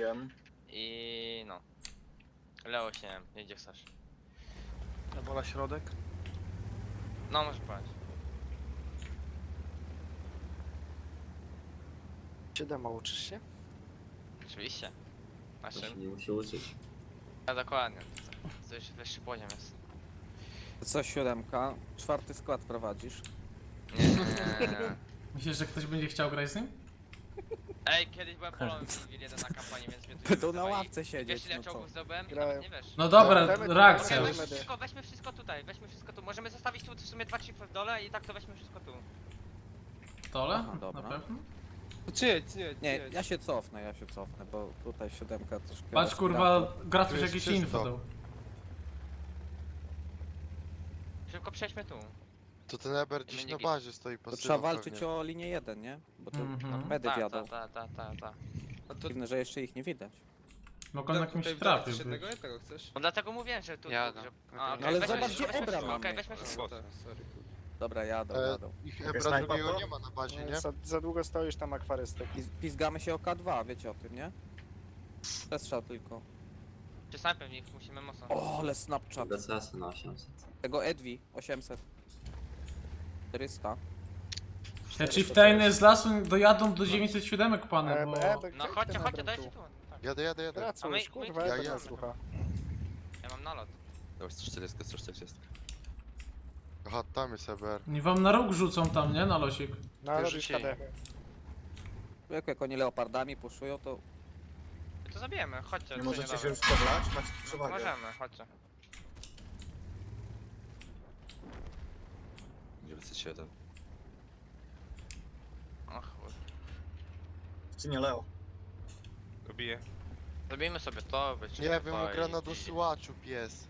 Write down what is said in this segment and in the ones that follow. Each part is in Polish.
Wiem. I no. Leo się nie wiem, gdzie chcesz. Ebola środek. No możesz powiedzieć. 7 uczysz się? Oczywiście. Na To się czym? nie musi uczyć. Ja dokładnie. To już wyższy poziom jest. Co, 7? 4. skład prowadzisz? Nie. Myślisz, że ktoś będzie chciał grać z nim? Ej, kiedyś byłem polem jeden na kampanii, więc mnie tu Będą nie na wzywaj. ławce siedzieć, Wiesz ile no co? czołgów zdobyłem? Grałem. Nawet nie wiesz. No dobra, Dajmy- reakcja dajmy- już. Weźmy wszystko tutaj, weźmy wszystko tu. Możemy zostawić tu w sumie 2 chipy w dole i tak to weźmy wszystko tu. Dole? Aha, dobra. Na pewno? Nie, ja się cofnę, bo tutaj 7 troszkę... Patrz kurwa, respirator. Gratuś Tu jest jakieś czysto. info dał. Szybko przejdźmy tu. To ten Eber gdzieś na bazie stoi To pasywą trzeba walczyć pewnie. o linię 1, nie? Bo to Mhm. medy Ta, wiadą. ta. Dziwne, że jeszcze ich nie widać. Mogą na kimś trafił być. No dlatego mówiłem, że tu. Ja że... no. A, okej, Ale weźmy zobacz, wszystko, gdzie weźmy Ebra wszystko, okej, mamy. weźmy wszystko. Dobra, jadą. Ich Jest Ebra snajpa, drugiego bro? nie ma na bazie, nie? Za długo stoisz tam akwarystek. Pizgamy się o K2, wiecie o tym, nie? Przestrzał tylko. Czy snajpem w nich musimy mocno. O, ale Snapchat. BCS na 800. Tego Edwi, 800. 400. Te chieftainy z lasu dojadą do 907 pany, bo... No chodźcie, dajcie tu. Tak. Jadę. Pracuj, A my- kurwa, ja ja jadę. słucha. Ja mam nalot. Dobra, 140, 140. Aha, tam jest Eber. Oni wam na róg rzucą tam, nie? Na losik. No ale Wyrzucili. KD. Jak oni leopardami puszują, to... My to zabijemy, chodźcie. Nie co możecie się damy. już poblać? Macie tu przewagę. Możemy, chodźcie. 907. O chuj. Czy nie Leo? Go bije. Zabijmy sobie to, wyjście. Nie wiem, gra na dosyłaczu pies.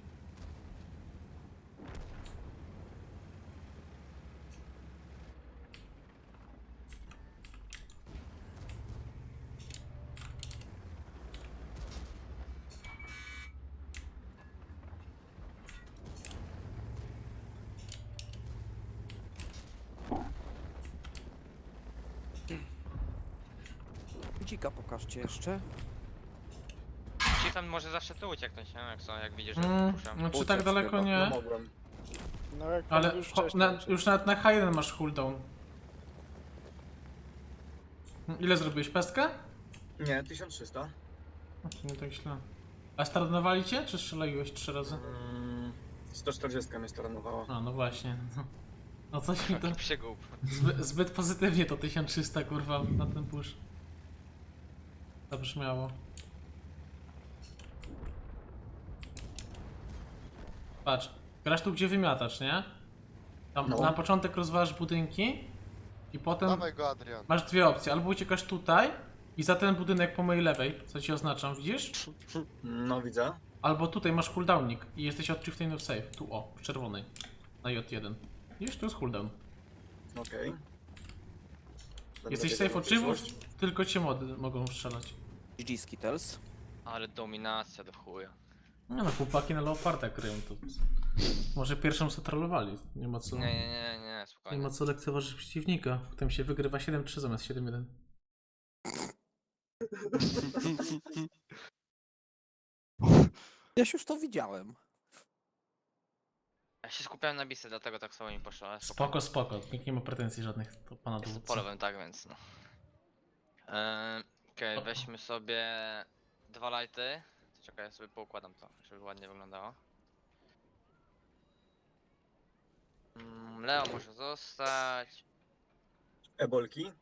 Dzika pokażcie jeszcze. Chiefem może zawsze tu ucieknąć, nie? Jak widzisz, że puszczam. No czy Uciec tak daleko chyba. No nie? mogłem. No jak Ale już wcześniej. już nawet na H1 masz cooldown. Ile zrobiłeś? Pestkę? Nie, 1300. Nie tak źle. A startowali cię, czy strzeliłeś 3 razy? 140 mnie staranowała. A, no właśnie. No coś mi to... Przygłup. Zbyt pozytywnie to 1300 kurwa na ten push. Zabrzmiało. Patrz, grasz tu gdzie wymiatasz, nie? Tam No. na początek rozwalasz budynki i potem Dawaj go, Adrian. masz dwie opcje. Albo uciekasz tutaj i za ten budynek po mojej lewej, co ci oznaczam, widzisz? No widzę. Albo tutaj masz cooldownik i jesteś od Chieftainów safe. Tu o, w czerwonej. Na J1. Widzisz, tu jest cooldown. Okej. Będę Jesteś wiedział safe od przyszłość. Chiefów, tylko cię mody mogą strzelać. GG Skittles. Ale dominacja do chuja. Nie no, chłopaki na Leoparda kryją to. Może pierwszą co trollowali. Nie ma co, Nie, nie spokojnie. ma co lekceważyć przeciwnika. Potem się wygrywa 7-3 zamiast 7-1. Ja już to widziałem. Ja się skupiałem na bisy, dlatego tak samo mi poszło, ale Spoko. Nikt nie ma pretensji żadnych do pana Jestem dowódcy. polowym, tak więc no. Okej, weźmy sobie 2 lighty. Czekaj, ja sobie poukładam to, żeby ładnie wyglądało. Leo może zostać. Ebolki.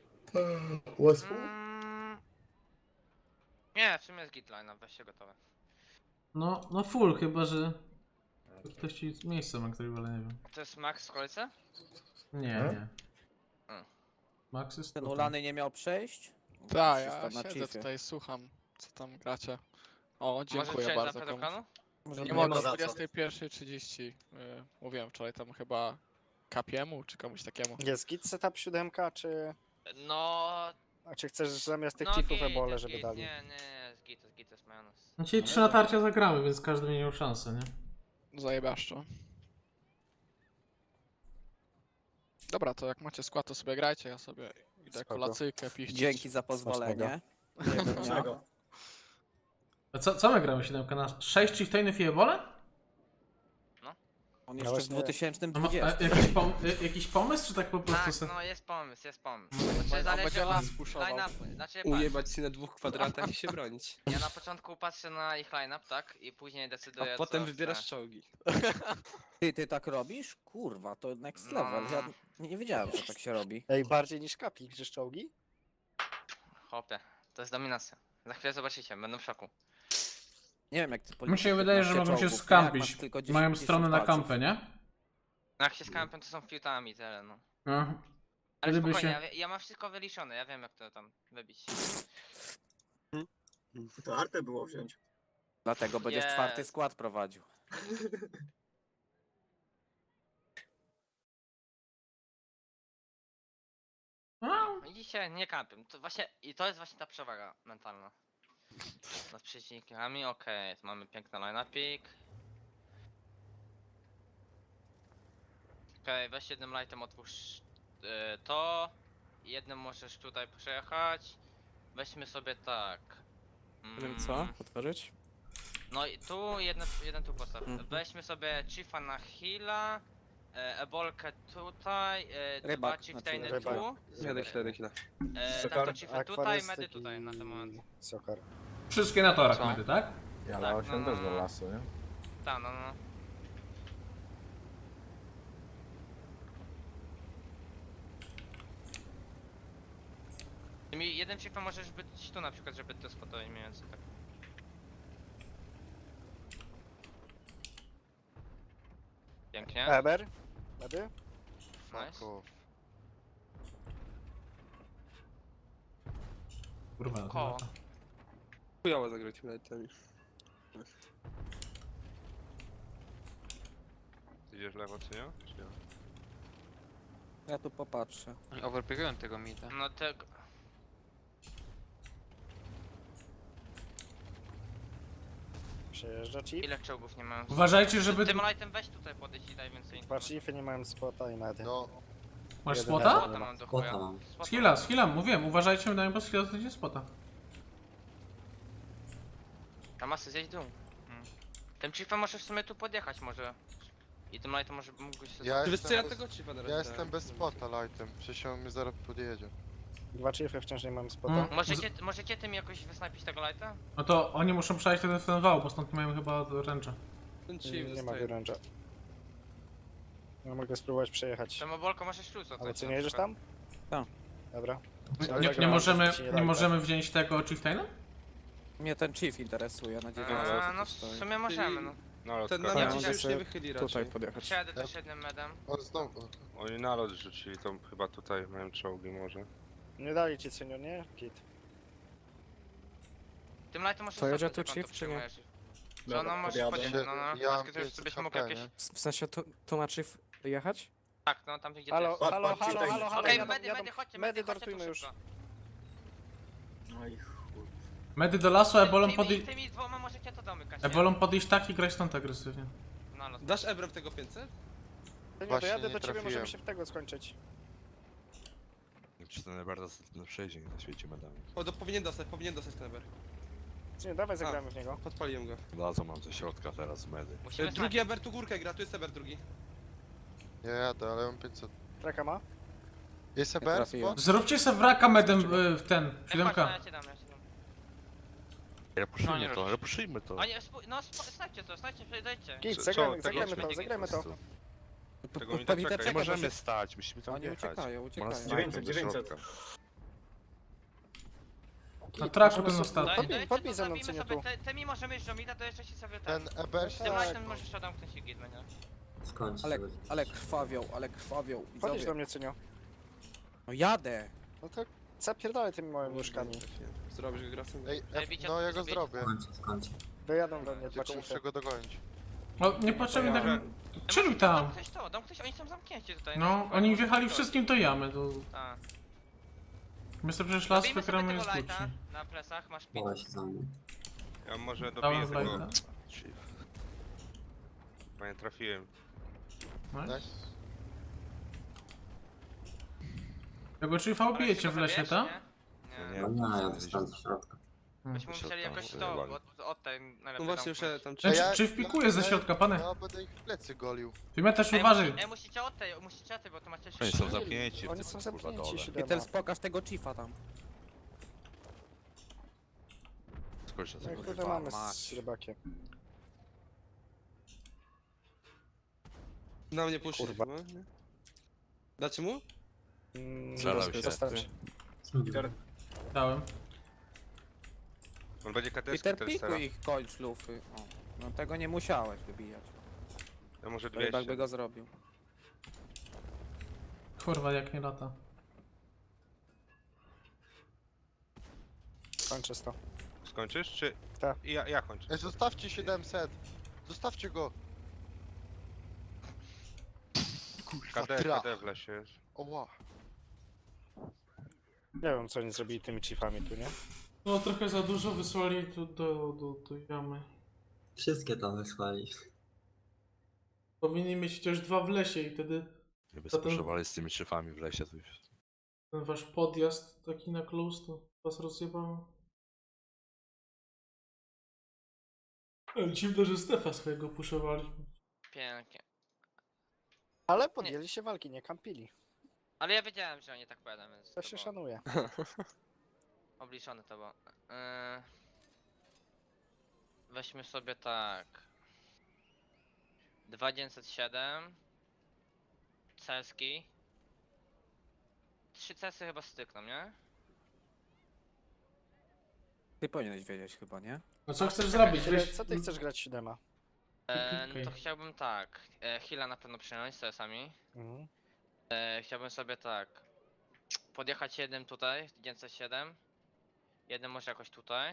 Nie, w sumie jest gitline, weź się gotowe. No full, chyba że ktoś ci miejsce ma, który ale nie wiem. To jest Max w okolicy? Nie. Hmm. Max jest Ten tutaj. Ulany nie miał przejść? Tak, Wszystko ja na siedzę chiefie. tutaj, słucham, co tam gracie. O, Może dziękuję przejść na bardzo komuś. pedokanu? Może Nie nie mogę ma o za co. 21:30. Mówiłem wczoraj tam chyba Kapiemu czy komuś takiemu. Jest git setup 7, czy... No... A czy chcesz zamiast tych no chiefów git, ebole, jest żeby git. dali? Nie, jest git, jest majonez. No dzisiaj 3 natarcia zagramy, więc każdy będzie miał szansę, nie? Zajebaszczo. Dobra, to jak macie skład, to sobie grajcie, ja sobie idę Spoko. kolacyjkę piścić. Dzięki za pozwolenie. Czego? A co my gramy 7 na 6 chieftainów i ebole? On No jeszcze w właśnie- 2020. Jakiś pomysł, czy tak po prostu Tak, se... no jest pomysł, jest pomysł. On Znaczy będzie zależy od las puszował. line-upu. Znaczy, Ujebać się na 2 kwadratach i się bronić. ja na początku patrzę na ich line-up, tak? I później decyduję A potem co wybierasz chcę. czołgi. Ty tak robisz? Kurwa, to next level. Ja nie wiedziałem, że tak się robi. Ej, bardziej niż kapi, gdzieś czołgi? Hopie, to jest dominacja. Za chwilę zobaczycie, będę w szoku. Nie wiem jak ty Mi policzysz się wydaje, że 15 mogą się czołgów, skampić. jak masz tylko 10 Mają stronę na palców. kampę, nie? No jak się z kampem, to są fiutami tyle, no. No. Ale Wtedy by spokojnie, się- ja mam wszystko wyliczone, ja wiem jak to tam wybić. To artę było wziąć. Dlatego będziesz Jest. 4. skład prowadził. No. Widzicie, nie kampią. To właśnie, i to jest właśnie ta przewaga mentalna. Nad przeciwnikami, okej, to mamy piękny line-upik. Okej, weź jednym lightem otwórz to. Jednym możesz tutaj przejechać. Weźmy sobie tak. Otworzyć? No i tu jeden tu postaw. Mhm. Weźmy sobie Chiefa na heala, Ebolkę tutaj, Rybak, dwa Chieftainy znaczy rybak. tu, Jadę chwilę. tak to Chiefy tutaj, medy tutaj na ten moment. Sokar. Wszystkie na torach Co? medy, tak? Ja tak, 8 też do lasu, nie? Tak, no. Tymi jeden Chiefem możesz być tu na przykład, żeby to spotować mniej więcej tak. Pięknie. Eber? Medy? Nice. Fuck off. Kurwa, no to Koło. lata. Chujowo zagrać lightami. Idziesz w lewo, czy nie? Czy nie? Ja tu popatrzę. Overpiegują tego mida. No tego. Przejeżdża chief. Ile czołgów nie mają? Uważajcie, żeby... Tym lightem weź tutaj podejść i daj więcej. Dwa chiefy nie mają spota i medy. No, Masz jeden spota? level. Spota mam do chuja. Skilla, skilla, mówiłem, uważajcie, wydaje mi się, że to będzie spota. Tam masy zjeść dół. Tym chiefem możesz w sumie tu podjechać może. I tym lightem może mógłbyś sobie... ja Wiesz co, ja jestem, tego chipa na ja razie jestem bez spota lightem. Przecież on mnie zaraz podjedzie. Dwa chiefy wciąż nie mają spota. Mm. Możecie tym jakoś wysnajpić tego lighta? No to oni muszą przejść ten wał, bo stąd nie mają chyba ręcza. Ten chief Nie ma zostaje. wyręcza. Ja mogę spróbować przejechać. Tym obolką możesz plus Ale co, nie jedziesz tam? Tak. Dobra. Nie możemy wziąć tego chieftaina? Mnie ten chief interesuje na 9 No w sumie możemy, no. Nalot Ten każe. na Ja mnie mogę się już sobie nie wychyli raczej. podjechać. Przejadę też jednym medem. On znowu. Oni nalot rzucili, to chyba tutaj mają czołgi może. Nie dali ci senior, nie? Kit. Tym lightem możesz To jedzie sobie tu tylko chief, czy nie? przyjmujesz. Co Dobra, no możesz podjadę. podjechać, no Ja mam tylko żebyś 500 mógł HP, jakieś... nie? W sensie tu ma chief jechać? Tak, no tam gdzie Halo, ty jest. halo, Patrz, halo, tutaj. halo, halo, Okej, jadą, medy, jadą. chodźcie, Medy chodźcie tu dartujmy już. szybko. No i chuj. Medy do lasu, ebolą Tymi dwoma możecie to domykać, nie? Ebolą podejść tak i grać stąd agresywnie. No, no. Dasz Ebrem tego 500? Nie, Właśnie dojadę nie do ciebie, trafiłem. możemy się w tego skończyć. Czy ten bardzo na przejdzie na świecie medami. O, powinien dostać ten Eber. Nie, dawaj zagramy w niego. Podpaliłem go. Dadzą mam ze środka teraz medy. Musimy Drugi Eber tu górkę gra, tu jest Eber drugi. Ja jadę, ale mam 500. Traka ma? Jest Nie EBR trafiłem. spot? Zróbcie se wraka medem w ten, Chodź, 7K. no, ja cię dam. Repuszujmy to, repuszujmy to. Oni, no snajcie to, dojdźcie. Kit, Co- zagramy tego zagramy to. Tego mi Pewnie doczekaj. Nie możemy stać, musimy tam Oni wjechać. uciekają, Ma uciekają. nas 900, do 900. środka. Na traku ten Możemy ostatni. Podbij ze mną, zabijmy Cyniu, sobie, tu. tymi możemy iść do mida, to jeszcze ci sobie ten... Ten EBR się Tym Tak. lightem możesz odamknąć i git będzie. Ale krwawią. Podjedź do Widzowie. mnie, Cynio. No jadę. No to zapierdalaj tymi małymi nóżkami. Zrobisz go grasem. Ej, bicie, no ja go bicie. zrobię. Wyjadą do mnie, dwa Tylko chiefy. muszę go dogonić. No niepotrzebnie tak... Chilluj tam. Dam ktoś, oni są zamknięci tutaj. No, oni wjechali wszystkim do jamy, to... Tak. My sobie przecież las Zabijmy sobie wygramy tego jest lighta lepszy. na plecach, masz pit. Ja może Dałem dobiję tego. lighta. Chief. Bo nie trafiłem. Nice. Nice. Tego chiefa ubijecie w lesie, tak? Nie? Nie, ja dostałem do środka. Byśmy To się musieli tam jakoś to, wyjebali. od tej najlepiej No właśnie, tam jeszcze pójść. tam Czy, ja- czy wpikuje ze środka, pane? Ja będę ich w plecy golił. Ty mnie też Ej, uważaj. musicie od tej, bo to macie Oni są zamknięci w Oni tym, są kurwa, zamknięci, dole. siódema. Peters, pokaż tego chiefa tam. Skończę No sobie. i kurde Kurwa, mamy mać. z rybakiem. na mnie puszczy. Kurwa. No, nie? Dacie mu? Zalał się. Zostać. Peter, Dałem. On będzie KTS Peter, teraz. pikuj ich, kończ lufy. O, no tego nie musiałeś wybijać. Ja może Rybak 200. by go zrobił. Kurwa, jak nie lata. Kończę to. Skończysz, czy... Tak. Ja kończę. Ej, zostawcie 700. Zostawcie go. KD w lesie jest. Oła. Nie wiem co oni zrobili tymi chiefami tu, nie? No trochę za dużo wysłali tu do jamy. wszystkie tam wysłali. Powinni mieć chociaż 2 w lesie i wtedy Gdyby Zatem- spuszczowali z tymi szyfami w lesie, to już... ten wasz podjazd taki na close to was rozjebało. Ale dziwne, że Stefa swojego puszowali. Pięknie. Ale podjęli się walki, nie kampili. Ale ja wiedziałem, że oni tak pojadą, więc To się było szanuje. obliczone to było. Weźmy sobie tak. 2907. Ceski. 3 cesy chyba stykną, nie? Ty powinieneś wiedzieć chyba, nie? No co chcesz zrobić? Tyle, Weź... co ty chcesz grać siódema? Okej. To chciałbym tak. Heala na pewno przyjąć z CS-ami. Mhm. Chciałbym sobie tak. Podjechać jednym tutaj, 907. Jednym może jakoś tutaj.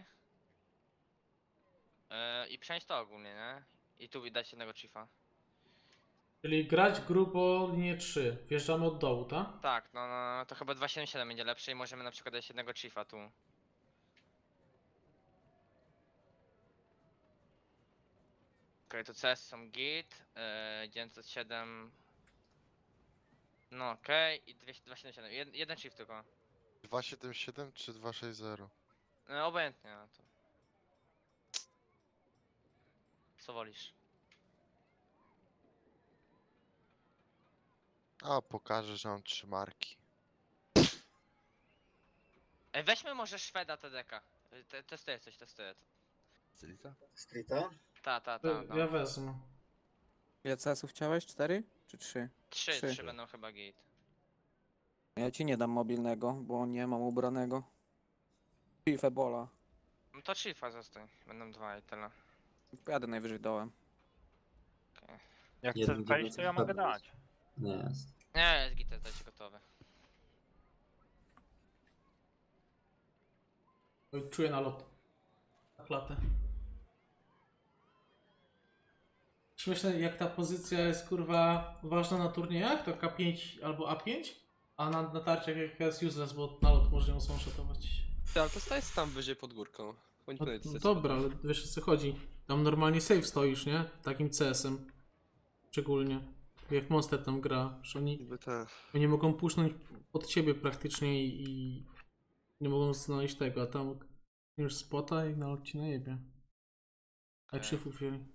I przejąć to ogólnie, nie? I tu widać jednego chiefa. Czyli grać grubo linię 3. Wjeżdżamy od dołu, tak? Tak, no to chyba 277 będzie lepsze i możemy na przykład dać jednego chiefa tu. Okej, to CS są git, 907. No okej, i 277. Jeden chief tylko. 277 czy 260? No obojętnie, no to. Co wolisz? A, pokażę, że mam 3 marki. Ej, weźmy może Szweda TDK. Testuję coś, testuję. Celita? Streeta? Ta. Ja wezmę. Ile CS-ów chciałeś? 4 czy 3? 3 Trzy. będą chyba git. Ja ci nie dam mobilnego, bo nie mam ubranego. Chief Ebola. No to chiefa zostań. Będą 2 i tyle. Pojadę najwyżej dołem. Jak chcesz wejść, to ja mogę dać. Nie jest. Nie, jest git, dajcie gotowy. Oj, czuję nalot. Na klatę. Śmieszne, jak ta pozycja jest kurwa ważna na turniejach, to K5 albo A5, a na tarciach jak jest useless, bo nalot może ją sąszotować. Ale to staj tam wyżej pod górką. Bądź No, pewny, no że dobra, ale wiesz o co chodzi. Tam normalnie safe stoisz, nie? Takim CS-em. Szczególnie. Jak Monster tam gra, że oni nie mogą puszczać pod ciebie praktycznie i nie mogą znaleźć tego, a tam już spota i nalot ci najebie. A Okej. chiefów wzięli.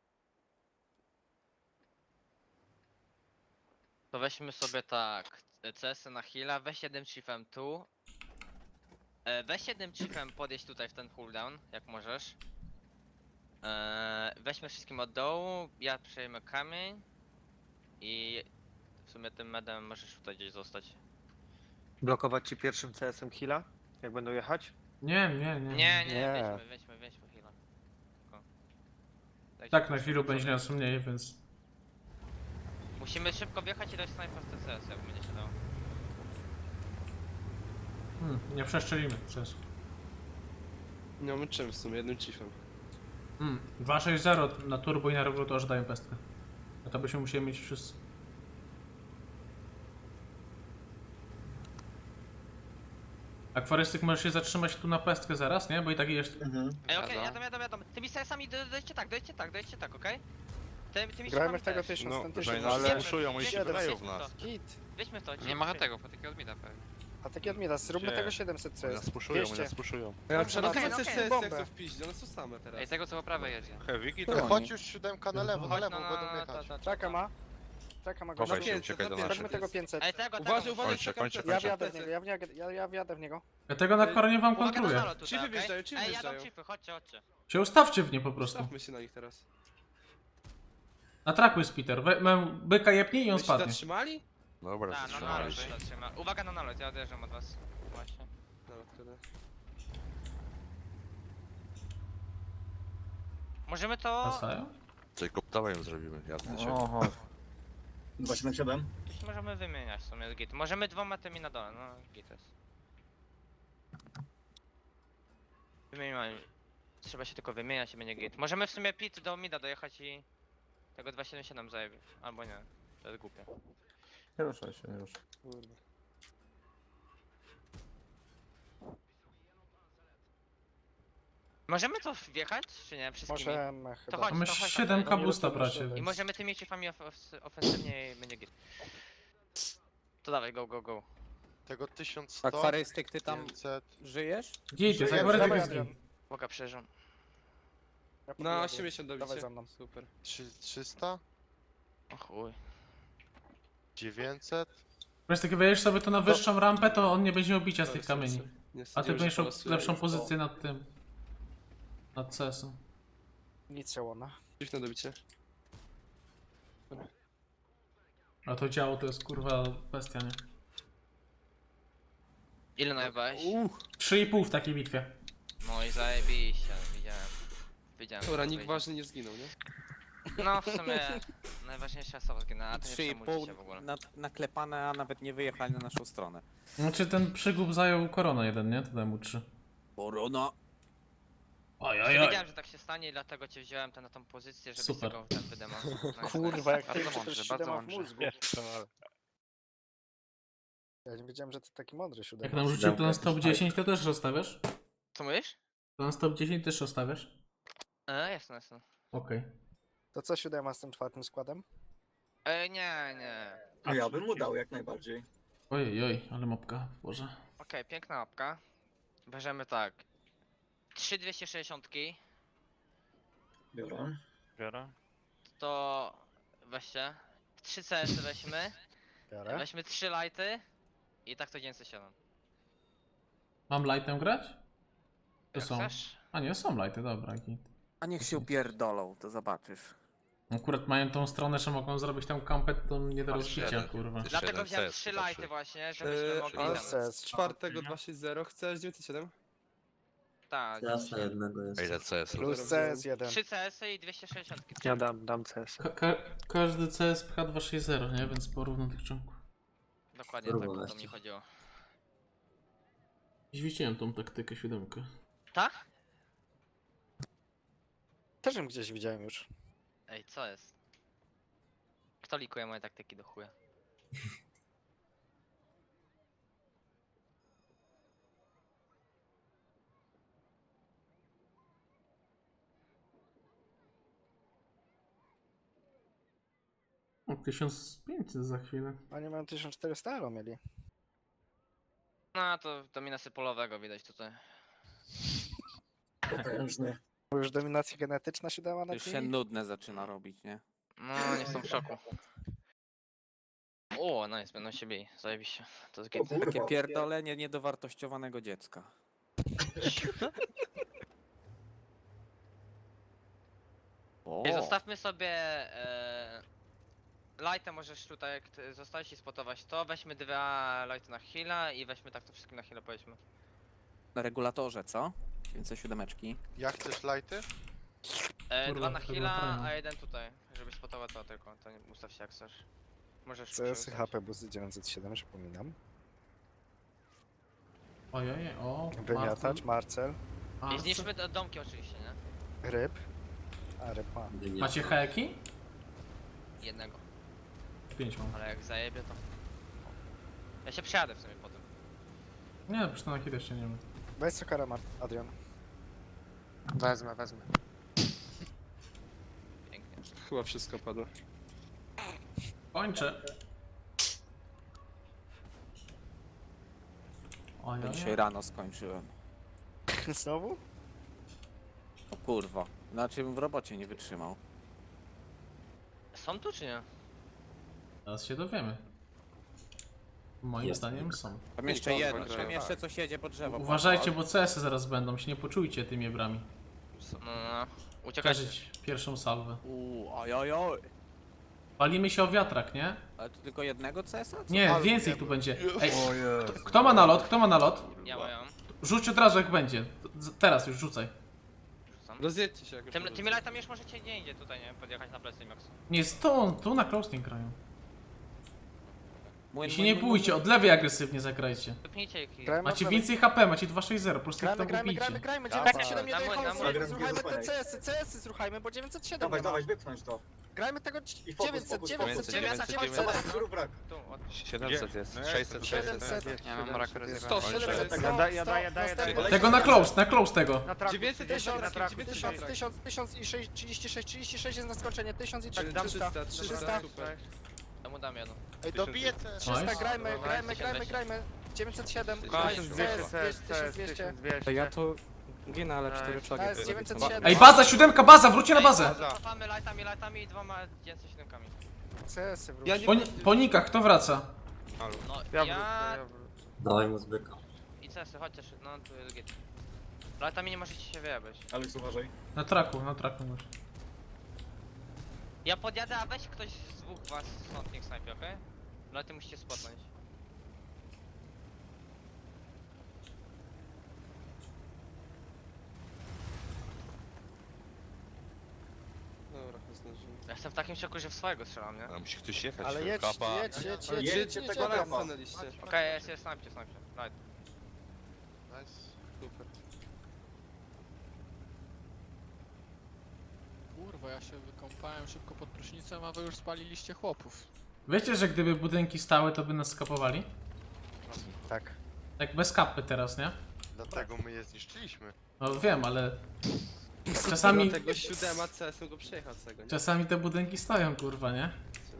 To weźmy sobie tak. CS-y na heala, weź jednym chiefem tu. Weź jednym chiefem podjeść tutaj w ten cooldown, jak możesz. Weźmy wszystkim od dołu, ja przejmę kamień. I w sumie tym medem możesz tutaj gdzieś zostać. Blokować ci pierwszym CS-em heala, jak będą jechać? Nie. Nie, weźmy heala. Tylko. Dajcie Tak, na proszę, chwilę proszę. będzie nas mniej, więc... Musimy szybko wjechać i dać snajpa w TCS, jak będzie się dało. Nie przeszczelimy, przez. Nie mamy czym w sumie, jednym chiefem. 2.6.0 na turbo i na regulatorze dają pestkę. A to byśmy musieli mieć wszyscy. A Kwarystyk możesz się zatrzymać tu na pestkę zaraz, nie? Bo i tak jest... Ej, okej, jadą. Tymi CS-ami dojdźcie tak, okej? Tymi Grajmy siłami w tego też. 1000, No, ten że 1000. nas Wiemy, puszują, oni się wiemy, wydają w wiemy nas. Git. Weźmy to, Nie ma tego, potyki od mida pewnie. A taki admiras, zróbmy Gdzie? tego 700 CS. Oni nas puszują, oni 200. nas puszują. Ja Dobrze, na okej, okay, okej. CS Bombę. jak to wpiść, one są same teraz. Ej, tego co po prawej jedzie. Heavy To To oni. chodź już 7 na lewo, Chodź będą jechać. Traka ma. Traka ma Chowaj gościa. się, 500, uciekaj do na naszych. Weźmy tego 500. Ej, tego, Uważaj, tego. uważaj, Kończę, czekam kończę, plecy. Ja kończę. wjadę w niego, ja wjadę w niego. Ja tego na koronie wam Uwaga na kontruję. nalot tutaj, Chiefy okej? wjeżdżają, chiefy Ej, jadą wjeżdżają. chiefy, chodźcie. Się ustawcie w nie po prostu. Stawmy się na nich teraz. Atrakuj Spiter. Byka jepnij i on Byście spadnie. zatrzymali? Dobra, Tak, na zatrzymali nalot się. się zatrzyma. Uwaga na nalot, ja odjeżdżam od was. Właśnie. Dobra, tyle. Możemy to... Wracają? Jacob, dawaj ją zrobimy, ja się. Oho. 277? Możemy wymieniać w sumie git. Możemy dwoma tymi na dole, no git jest. Wymieniamy. Trzeba się tylko wymieniać i będzie git. Możemy w sumie pit do mida dojechać i... Tego 277 zajebie. Albo nie. To jest głupie. Nie ruszaj się, nie ruszaj. Kurde. Możemy to wjechać, czy nie? Wszystkimi? Możemy chyba. chodź. Mamy to chodź, 7 chodź. kabusta, bracie. I możemy tymi chiefami ofensywnie i będzie git. To dawaj, go, go, go. Tego 1100, Akwarystyk, ty tam 500. żyjesz? Git, jest Dawaj, akwarytyk Dawaj, jest Adrian. git. Boga przeżył. Ja Na podjadę. 80 Dawaj dobicie. za mną. Super. 300, O chuj. 900. Wiesz, tak wejdziesz sobie to na wyższą rampę, to on nie będzie miał bicia z tych kamieni. Nie A ty stwierdziłem, że będziesz miał polosuję lepszą już. pozycję nad tym. Nad CS-em. Nic się łona. Chief na dobicie. A to działo to jest kurwa bestia, nie? Ile najebałeś? 3,5 w takiej bitwie. No i zajebiście, widziałem. Widziałem. Dobra, co nikt wyjdzie. ważny nie zginął, nie? No w sumie najważniejsza osoba zginęła, a to nie przejmujcie się w ogóle. 3,5 naklepane, a nawet nie wyjechali na naszą stronę. Znaczy ten przygub zajął koronę jeden, nie? To daj mu 3. Korona. Ojojoj. Wiedziałem, że tak się stanie i dlatego cię wziąłem na tą pozycję, żebyś Super. tego ten wydemował. No i Kurwa, jak Bardzo ty to mądrze, też bardzo siódema w mądrze. mózgu. Ja nie wiedziałem, że ty taki mądry Jak siódema. nam rzucił plan stop 10, to też rozstawiasz? Co mówisz? Plan stop 10 też rozstawiasz? Jasne, jasne. Okej. To co siódema z tym czwartym składem? Nie, nie. No ja bym mu dał jak najbardziej. Ojej, ale mopka, Boże. Okej, piękna łapka. Bierzemy tak. 3 260, Biorę. Biorę. to weźcie. 3 CS weźmy. Biorę. Weźmy 3 lighty. I tak to 907. Mam lightem grać? To Jak są. chcesz? A nie, są lighty, dobra. Git. A niech się upierdolą, to zobaczysz. Akurat mają tą stronę, że mogą zrobić tam kampet, to nie do Masz rozbicia, jeden. kurwa. Ty- Dlatego 7 wziąłem CS 3 chyba lighty trzy. właśnie, żebyśmy mogli A tam. CS. z czwartego 260 chcesz 907? Tak, Jasne, jednego jest. A ile CS? Plus CS1. 3 CS i 260. Ja dam CS. Każdy CS pcha 260, nie? Więc porówno tych członków. Dokładnie Grubo tak o to weźcie. mi chodziło. Dziś widziałem tą taktykę 7. Tak? Też ją gdzieś widziałem już. Ej, co jest? Kto likuje moje taktyki do chuja? O, 1500 za chwilę. Oni mają 1400 elo mieli. No to dominację polowego widać tutaj. Potężny. Bo już dominacja genetyczna się dała na Już się tym. nudne zaczyna robić, nie? No, nie jestem w szoku. O, nice, będą się bili, zajebiście. To jest git. Takie pierdolenie niedowartościowanego dziecka. O, Ej, zostawmy sobie lighta, możesz tutaj, jak zostałeś i spotować to, weźmy 2 lighty na heal'a i weźmy tak to wszystkim na heal'a powiedzmy. na regulatorze, co? Więcej 7. Jak chcesz lighty? Kurwa, 2 na to było heal'a, fajne. a 1 tutaj, żebyś spotował to tylko, to nie ustaw się jak chcesz. Możesz CS ustawić. HP busy 907, przypominam. Ojej, o. Wymiatacz, Marcel, I zniszczmy te domki oczywiście, nie? ryb. A ryb ma. Macie heki? Jednego, 5 mam. ale jak zajebie to... Ja się przejadę w sumie po tym. Nie, przecież to na chwilę jeszcze nie wiem. Weź Sokara, Adrian. Wezmę. Pięknie. Chyba wszystko padło. Kończę. Ojej. Dzisiaj rano skończyłem. Znowu? O kurwa. Znaczy bym w robocie nie wytrzymał. Są tu czy nie? Teraz się dowiemy. Moim zdaniem są. Tam jeszcze Kurwa, jedno, grają. tam jeszcze coś jedzie po drzewo. Uważajcie, bo CS-y zaraz będą, się nie poczujcie tymi brami. No. Uciekajcie. Przeżyć pierwszą salwę. Ojojoj. Palimy się o wiatrak, nie? Ale to tylko jednego CS-a? Co? Nie, Ale więcej nie tu ma. będzie. Ej, kto ma nalot? Kto ma nalot? Ja mam. Rzuć od razu jak będzie. Teraz już rzucaj. Rzucam. Rozjedźcie się jakoś. Tymi lightami już możecie nie idzie tutaj, nie? Podjechać na plecy Max. Nie, stąd, tu na closing grają. Młyn, I się nie bójcie, od lewej agresywnie zagrajcie. Wypnijcie ich. Grajmy Macie od więcej HP, macie 260, po prostu ich tam Grajmy, ubijcie. 907 nie Dawaj, dojechało, dawaj, zruchajmy te dawaj. CS-y zruchajmy, bo 907 Dawaj, nie ma. dawaj, wypchnąć to. Grajmy tego I fokus, 900, fokus, 900, fokus. 900, 900. 900. Zobacz, brak. Tu, od... 700 jest, 600, 700. Ja mam brak 100, 700, 100, Ja daję, następny. Tego na close tego. Na traku. 900 1000, na traku, 1000 i 36 jest na skończenie, 1000 i Tak, dam 300. 300, super. Temu dam jedno. Ej, dobiję te... 300, Nice. grajmy. 907, Nice. 1200. To ja tu ginę, ale 4 To flagi. jest 907. Ej, baza, siódemka, baza, wróćcie na bazę. Cofamy lightami i 2 907. CS-y wróć. Ja nie... Po nikach, kto wraca? No, Ja ja... wrócę. Dawaj mu zbyka. I CS-y, chodźcie, no tu jest git. Lightami nie możecie się wyjebać. Alex, uważaj. Na traku już. Ja podjadę, a weź ktoś z dwóch was stąd niech snajpie, okej? No ty musicie spotnąć. Dobra, zdążymy. Ja jestem w takim szoku, że w swojego strzelam, nie? A musi ktoś jechać. Ale jedź, Kapa. jedź. Jedźcie tego Pana kapa. stanęliście. Okej, jest, snajpcie. Light. Nice. Super. Kurwa, ja się wykąpałem szybko pod prysznicem, a wy już spaliliście chłopów. Wiecie, że gdyby budynki stały, to by nas skapowali? Tak. Tak bez kapy teraz, nie? Dlatego my je zniszczyliśmy. No wiem, ale czasami, Tego 7 CS-em go przejechał cego, nie? czasami te budynki stoją, kurwa, nie?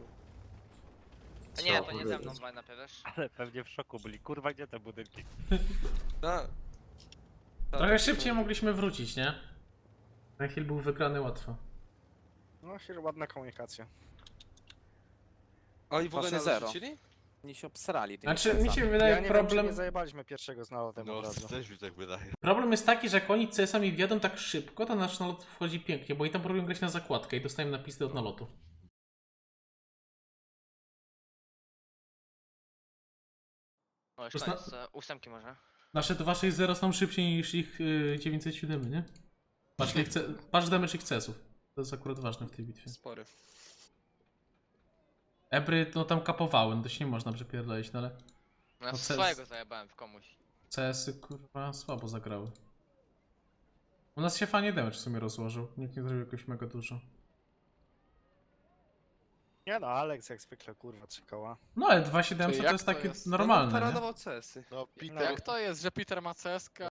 A nie, to nie ze mną, dwaj na wiesz? Ale pewnie w szoku byli. Kurwa, gdzie te budynki? Tak. Trochę szybciej mogliśmy wrócić, nie? Ten heal był wygrany łatwo. No, się ładna komunikacja. Oni w ogóle Wasze nie zero. zarzucili? Oni się obsrali tymi Znaczy, mi się CS-ami. wydaje Ja nie wiem, czy problem... nie zajebaliśmy pierwszego z nalotem No, od razu. też mi tak wydaje. Problem jest taki, że jak oni CS-ami wjadą tak szybko, to nasz nalot wchodzi pięknie, bo i tam próbują grać na zakładkę i dostajemy napisy od nalotu. O, już Zna- koniec, ósemki może. Nasze 260 są szybciej niż ich 907, nie? Patrz damage ich CS-ów. To jest akurat ważne w tej bitwie. Spory. Ebry no tam kapowały, no to się nie można przepierdolić, no ale No ja No, swojego zajebałem w komuś. CS-y kurwa słabo zagrały. U nas się fajnie damage w sumie rozłożył, nikt nie zrobił jakoś mega dużo. Nie no, Alex jak zwykle, kurwa, 3 koła. No ale 2700 Czyli to jak jest to takie jest? normalne, nie? Paradował CS-y. No, Peter, Jak to jest, że Peter ma CS-kę,